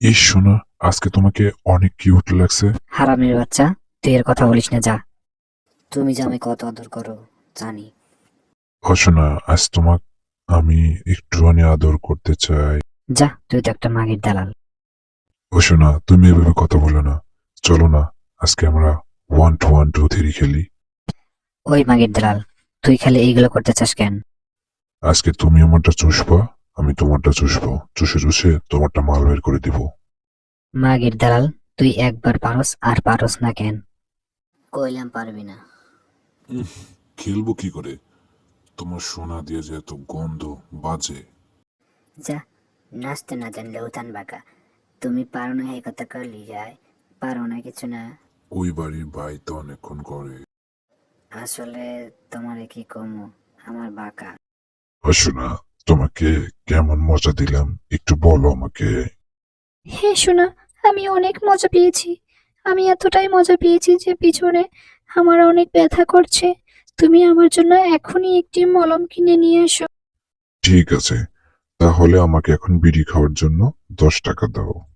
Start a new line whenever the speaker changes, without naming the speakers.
ইস শোনা, আজকে তোমাকে অনেক কিউট লাগছে।
হারামির বাচ্চা, তুই এর কথা বলিস না, যা। তুমি যে আমি কত আদর করো জানি।
ও শোনা, আজ তোমাকে আমি একটুখানি আদর করতে চাই।
যা, তুই তো একটা মাগির দালাল।
ও শোনা, তুমি এভাবে কথা বলো না। চলো না, আজকে আমরা 1 2 1 2 3 খেলি।
ওই মাগির দালাল, তুই খালি এইগুলো করতে চাস কেন?
আজকে তুমি আমারটা চুষবা, আমি তোমারটা চুষবো, চুষে চুষে তোমারটা মাল বের করে দিব।
মাগির দালাল, তুই একবার পারস আর পারস না কেন? কইলাম পারবি না।
খেলবো কি করে? তোমার সোনা দিয়ে যে এত গন্ধ বাজে।
যা, নাচতে না জানলে উতান বাঁকা। তুমি পারো না এই কথা করলি যায়, পারো না কিছু না।
ওই বাড়ির ভাই তো অনেকক্ষণ করে।
আসলে তোমারে কি কমু, আমার বাঁকা।
ও শোনা, তোমাকে কেমন মজা দিলাম একটু বলো আমাকে।
হ্যাঁ সোনা, আমি অনেক মজা পেয়েছি। আমি এতটাই মজা পেয়েছি যে পিছনে আমার অনেক ব্যথা করছে। তুমি আমার জন্য এখনই একটি মলম কিনে নিয়ে এসো।
ঠিক আছে, তাহলে আমাকে এখন বিড়ি খাওয়ার জন্য 10 টাকা দাও।